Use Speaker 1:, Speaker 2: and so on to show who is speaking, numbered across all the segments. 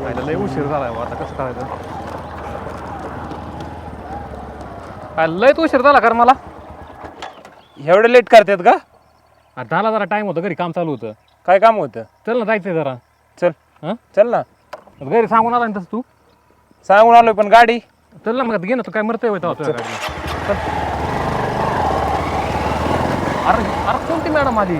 Speaker 1: खायला लय उशीर झालाय आता कसं करायचं. काय लयच उशीर झाला कारण मला
Speaker 2: एवढं लेट करतात का?
Speaker 1: झाला जरा टाइम होतं घरी काम चालू होतं.
Speaker 2: काय काम होतं?
Speaker 1: चल ना जायचंय जरा.
Speaker 2: चल
Speaker 1: हां
Speaker 2: चल ना.
Speaker 1: घरी सांगून आला ना तसं तू.
Speaker 2: सांगून आलोय पण गाडी
Speaker 1: चल ना मग घे ना तू काय मरतोय होता गाडी. अरे अरे कोणती मॅडम आली?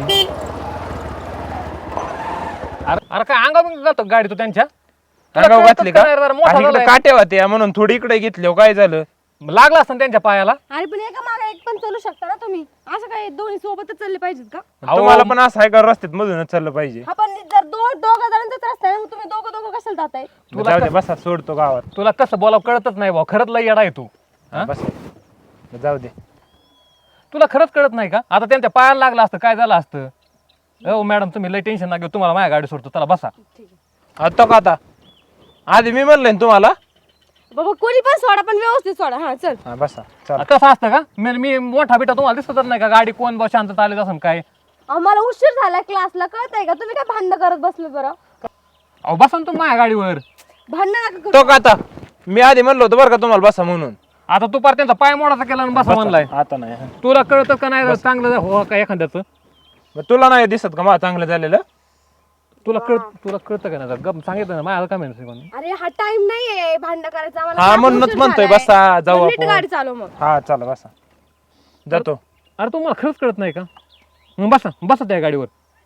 Speaker 1: अरे अरे काय अंगा बिंग जातो गाडी तू त्यांच्या
Speaker 2: अंगावर घातली का?
Speaker 1: मोठा
Speaker 2: इकडे काटे होते म्हणून थोडी इकडे घेतली. काय झालं?
Speaker 1: लागला असतं त्यांच्या पायाला.
Speaker 3: अरे पण एका मागे एक पण चालू शकता ना तुम्ही. असं काय दोन्ही सोबतच चालले पाहिजेत का?
Speaker 2: तुम्हाला पण असं आहे का रस्त्यात मधूनच चाललं पाहिजे?
Speaker 3: आपण जर दोघं जणांचाच रस्ता आहे, मग तुम्ही दोघं कशाला जाताय?
Speaker 2: जाऊ दे बसा, सोडतो गावात.
Speaker 1: तुला कसं बोलावं कळतच नाही भाऊ. खरंच लय येडा आहे तू.
Speaker 2: बस जाऊ दे.
Speaker 1: तुला खरंच कळत नाही का? आता त्यांच्या पायाला लागलं असतं काय झालं असतं? हो मॅडम तुम्ही लय टेन्शन ना घेऊ. तुम्हाला माझ्या गाडी सोडतो. चला बसा.
Speaker 2: आता का आता आधी मी म्हणलं ना तुम्हाला.
Speaker 3: बाबा कोणी पण सोडा, पण व्यवस्थित सोडा. हा चल.
Speaker 2: हा बसा चला.
Speaker 1: कसं असतं का? मी मोठा बिटा तुम्हाला दिसतच नाही का? गाडी कोण बस शांत आले असं काय?
Speaker 3: आम्हाला उशीर झाला क्लासला, कळतंय का? तुम्ही काय भांडण करत बसले बरं?
Speaker 1: अहो बसा ना तुम्ही माझ्या गाडीवर.
Speaker 3: भांडण नका करू.
Speaker 2: तो का आता मी आधी म्हणलो होतो बरं का तुम्हाला बसा म्हणून.
Speaker 1: आता तू पार त्यांचा पाय मोडाचा केला आणि बसा म्हणलाय.
Speaker 2: आता नाही.
Speaker 1: तुला कळतं का नाही चांगलं हो का एखाद्याचं?
Speaker 2: मग तुला नाही दिसत का मला चांगलं झालेलं?
Speaker 1: तुला कळतं का नाही? गप सांगितलं ना माझ्या काय माहिती.
Speaker 3: अरे हा टाइम नाहीये भांडण करायचा आम्हाला.
Speaker 2: हा
Speaker 3: फार
Speaker 2: म्हणूनच
Speaker 3: उशीर
Speaker 2: म्हणतोय
Speaker 3: झालाय.
Speaker 2: बसा जाऊ
Speaker 3: नीट
Speaker 2: आपण.
Speaker 3: गाडी चालव मग.
Speaker 2: हा चला बसा जातो.
Speaker 1: अरे तुम्हाला खरंच कळत नाही का? मग बसा त्या गाडीवर.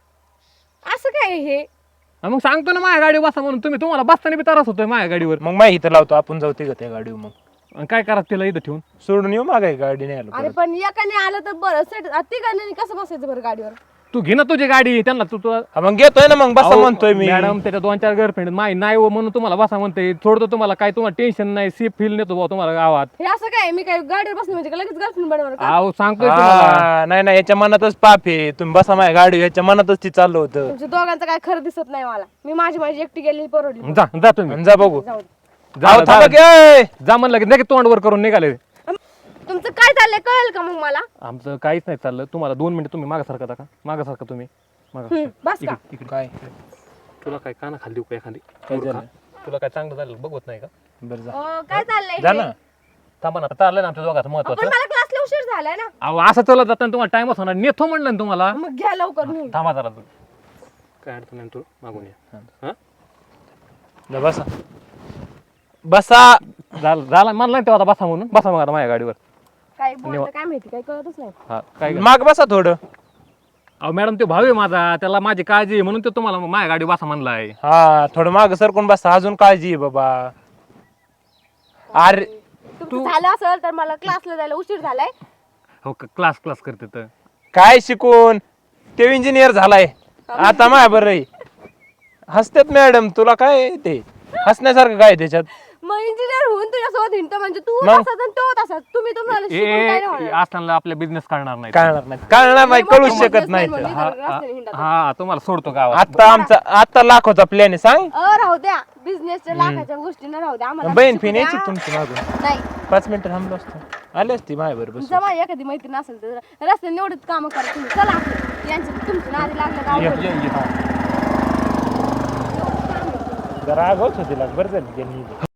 Speaker 3: असं काय हे?
Speaker 1: मग सांगतो ना माझ्या गाडीवर बसा म्हणून. तुम्हाला बसताना बी त्रास होतोय माझ्या गाडीवर.
Speaker 2: मग माहिती इथं लावतो आपण जाऊ तिघं त्या गाडीवर. मग
Speaker 1: आणि काय करा तिला इथं ठेवून
Speaker 2: सोडून येऊ मागे गाडी नाही आलो
Speaker 3: अरे
Speaker 2: परत.
Speaker 3: पण एकाने आलं तर बरं. सेट तिघांनी कसं बसायचं बरं गाडीवर?
Speaker 1: तू घे ना तुझी गाडी. त्यांना तू
Speaker 2: हा, मग घेतोय ना मग बसा म्हणतोय मी.
Speaker 1: मॅडम त्याच्या 2-4 गर्लफ्रेंड माही नाही हो म्हणून तुम्हाला बसा म्हणते. थोडं तुम्हाला काय तुम्हाला टेन्शन नाही. सेफ फील नेतो भाऊ तुम्हाला गावात.
Speaker 3: हे असं काय? मी काय गाडीवर बसले म्हणजे का लगेच गर्लफ्रेंड बनवणार का?
Speaker 1: अहो सांगतोय तुम्हाला.
Speaker 2: हा, नाही नाही याच्या मनातच पाप आहे. तुम्ही बसा माझ्या गाडी याच्या मनातच ती चाललं होतं.
Speaker 3: तुमच्या दोघांचं काय खरं दिसत नाही मला. मी माझी एकटी गेलेली परवडली.
Speaker 1: जा तुम्ही.
Speaker 2: आणि जा बघू.
Speaker 3: जाऊ दे.
Speaker 2: जाऊ थांबा की, ए!
Speaker 1: जा म्हणलं की नाही तोंडवर करून निघाले.
Speaker 3: तुमचं काय चाललंय कळेल का मग मला?
Speaker 1: आमचं काहीच नाही चाललं. तुम्हाला 2 मिनिटं तुम्ही मागासारखा का? मागासारखा तुम्ही
Speaker 3: बस का?
Speaker 1: इकडे.
Speaker 2: काय
Speaker 1: तुला काय काना खाली देऊ का एखादी?
Speaker 2: काय झालं?
Speaker 1: तुला काय चांगलं झालं बघवत नाही का?
Speaker 2: बरं जा.
Speaker 3: काय चाललंय
Speaker 2: जा
Speaker 3: हे?
Speaker 2: ना.
Speaker 1: थांबा ना चाललंय ना आमच्या दोघांचं
Speaker 3: पण
Speaker 1: महत्वाचं.
Speaker 3: मला क्लासला उशीर झालाय ना.
Speaker 1: अहो असं चलत जाताना तुम्हाला टाइमच होणार. नेतो म्हणलं ना तुम्हाला.
Speaker 3: मग घ्या लवकर नेऊन.
Speaker 1: थांबा जरा तू. काय अडचण नाही तू मागून ये. हा?
Speaker 2: जा बसा बसा.
Speaker 1: झाला म्हणलं ना तेव्हा आता बसा म्हणून. बसा मग आता माझ्या गाडीवर.
Speaker 3: काय बोलतं काय माहिती, काय कळतच नाही.
Speaker 1: हा काय
Speaker 2: माग बसा थोडं.
Speaker 1: अहो मॅडम ते भाऊ आहे माझा. त्याला माझी काळजी आहे म्हणून तो तुम्हाला माझ्या गाडी बसा म्हणलाय.
Speaker 2: हा थोडं माग सरकून बसा. अजून काळजी आहे बाबा. अरे
Speaker 3: तुमचं झालं असेल तर मला क्लासला जायला उशीर झालाय.
Speaker 1: हो क्लास करते तर.
Speaker 2: काय शिकून ते इंजिनियर झालाय आता माया बरं. हसतात मॅडम. तुला काय ते हसण्यासारखं काय त्याच्यात?
Speaker 3: मग इंजिनियर होऊन तुझ्यासोबत हिंडतो म्हणजे तू
Speaker 2: मग?
Speaker 3: तसाच आणि तो तसाच. तुम्ही तुम्हाला शिकून काय नाही होणार.
Speaker 1: असताना आपल्या बिझनेस करणार नाही.
Speaker 2: कळणार नाही कळूच शकत नाही तर.
Speaker 3: रस्त्याने हिंडत.
Speaker 1: हा तुम्हाला सोडतो गावात.
Speaker 2: आता लाखोचा प्लॅन आहे. सांग
Speaker 3: राहू द्या. बिझनेसच्या लाखाच्या गोष्टी न राहू द्या आम्हाला.
Speaker 2: बहीण
Speaker 3: शिकू
Speaker 2: फिन
Speaker 3: द्या.
Speaker 2: यायची तुमची मागून.
Speaker 3: नाही
Speaker 2: 5 मिनिटं थांबलो असतो. आले असती माझ्या बरोबर.
Speaker 3: जमा एखादी मैत्रीण असेल तर रस्त्याने एवढंच काम करा तुम्ही. चला आपलं. यांचं तुमच्या नादी लागलं का अवघड.
Speaker 2: जरा आगाऊच होती लाग. बरं झाली